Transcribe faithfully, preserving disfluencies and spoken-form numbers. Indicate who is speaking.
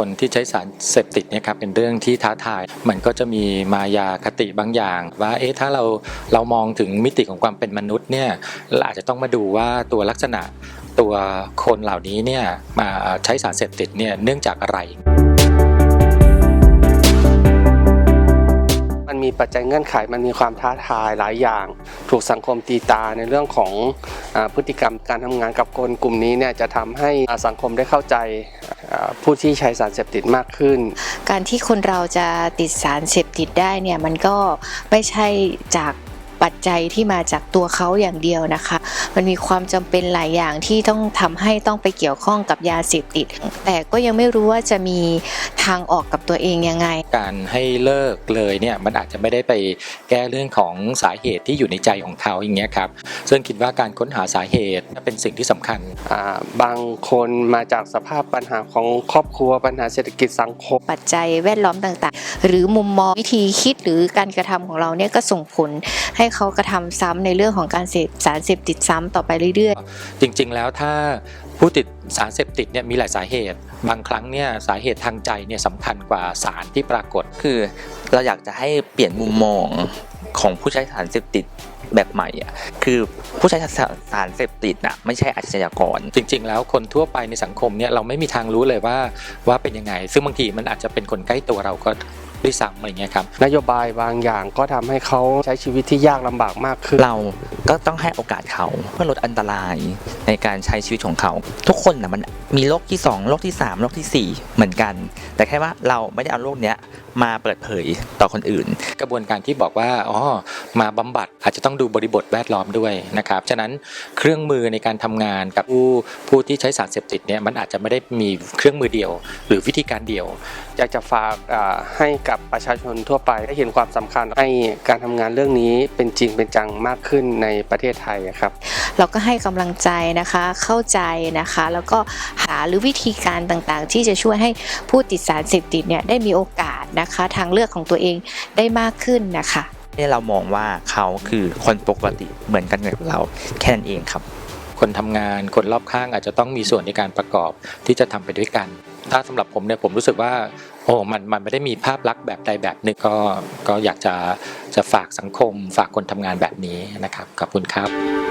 Speaker 1: คนที่ใช้สารเสพติดเนี่ยครับเป็นเรื่องที่ท้าทายมันก็จะมีมายาคติบางอย่างว่าเอ๊ะถ้าเราเรามองถึงมิติของความเป็นมนุษย์เนี่ยเราอาจจะต้องมาดูว่าตัวลักษณะตัวคนเหล่านี้เนี่ยมาใช้สารเสพติดเนี่ยเนื่องจากอะไร
Speaker 2: มันมีปัจจัยเงื่อนไขมันมีความท้าทายหลายอย่างถูกสังคมตีตาในเรื่องของพฤติกรรมการทำงานกับคนกลุ่มนี้เนี่ยจะทำให้สังคมได้เข้าใจผู้ที่ใช้สารเสพติดมากขึ้น
Speaker 3: การที่คนเราจะติดสารเสพติดได้เนี่ยมันก็ไม่ใช่จากปัจจัยที่มาจากตัวเขาอย่างเดียวนะคะมันมีความจำเป็นหลายอย่างที่ต้องทำให้ต้องไปเกี่ยวข้องกับยาเสพติดแต่ก็ยังไม่รู้ว่าจะมีทางออกกับตัวเองยังไง
Speaker 1: การให้เลิกเลยเนี่ยมันอาจจะไม่ได้ไปแก้เรื่องของสาเหตุที่อยู่ในใจของเขาอย่างเงี้ยครับซึ่งคิดว่าการค้นหาสาเหตุเป็นสิ่งที่สำคัญ
Speaker 2: บางคนมาจากสภาพปัญหาของครอบครัวปัญหาเศรษฐกิจสังคม
Speaker 3: ปัจจัยแวดล้อมต่างๆหรือมุมมองวิธีคิดหรือการกระทำของเราเนี่ยก็ส่งผลให้เขากระทำซ้ำในเรื่องของการเสพสารเสพติดซ้ำต่อไปเรื่อย
Speaker 1: ๆจริงๆแล้วถ้าผู้ติดสารเสพติดเนี่ยมีหลายสาเหตุบางครั้งเนี่ยสาเหตุทางใจเนี่ยสำคัญกว่าสารที่ปรากฏ
Speaker 4: คือเราอยากจะให้เปลี่ยนมุมมองของผู้ใช้สารเสพติดแบบใหม่อ่ะคือผู้ใช้สารเสพติดน่ะไม่ใช่อาชญากร
Speaker 1: จริงๆแล้วคนทั่วไปในสังคมเนี่ยเราไม่มีทางรู้เลยว่าว่าเป็นยังไงซึ่งบางทีมันอาจจะเป็นคนใกล้ตัวเราก็ด้วยซ้ำอะไรเงี้ยครับ
Speaker 2: นโยบายบางอย่างก็ทำให้เขาใช้ชีวิตที่ยากลำบากมากขึ้น
Speaker 4: เราก็ต้องให้โอกาสเขาเพื่อลดอันตรายในการใช้ชีวิตของเขาทุกคนนะมันมีโรคที่สองโรคที่สามโรคที่สี่เหมือนกันแต่แค่ว่าเราไม่ได้เอาโรคเนี้ยมาเปิดเผยต่อคนอื่น
Speaker 1: กระบวนการที่บอกว่าอ๋อมาบำบัดอาจจะต้องดูบริบทแวดล้อมด้วยนะครับฉะนั้นเครื่องมือในการทำงานกับผู้ผู้ที่ใช้สารเสพติดเนี่ยมันอาจจะไม่ได้มีเครื่องมือเดียวหรือวิธีการเดียว
Speaker 2: อยากจะฝากให้กับประชาชนทั่วไปได้เห็นความสำคัญให้การทำงานเรื่องนี้เป็นจริงเป็นจังมากขึ้นในประเทศไทยครับ
Speaker 3: เราก็ให้กำลังใจนะคะเข้าใจนะคะแล้วก็หาหรือวิธีการต่างๆที่จะช่วยให้ผู้ติดสารเสพติดเนี่ยได้มีโอกาสนะคะทางเลือกของตัวเองได้มากขึ้นนะคะ
Speaker 4: นี่เรามองว่าเขาคือคนปกติเหมือนกันกับเราแค่นั้นเองครับ
Speaker 1: คนทำงานคนรอบข้างอาจจะต้องมีส่วนในการประกอบที่จะทำไปด้วยกันถ้าสำหรับผมเนี่ยผมรู้สึกว่าโอ้มันมันไม่ได้มีภาพลักษณ์แบบใดแบบหนึ่งก็ก็อยากจะจะฝากสังคมฝากคนทำงานแบบนี้นะครับขอบคุณครับ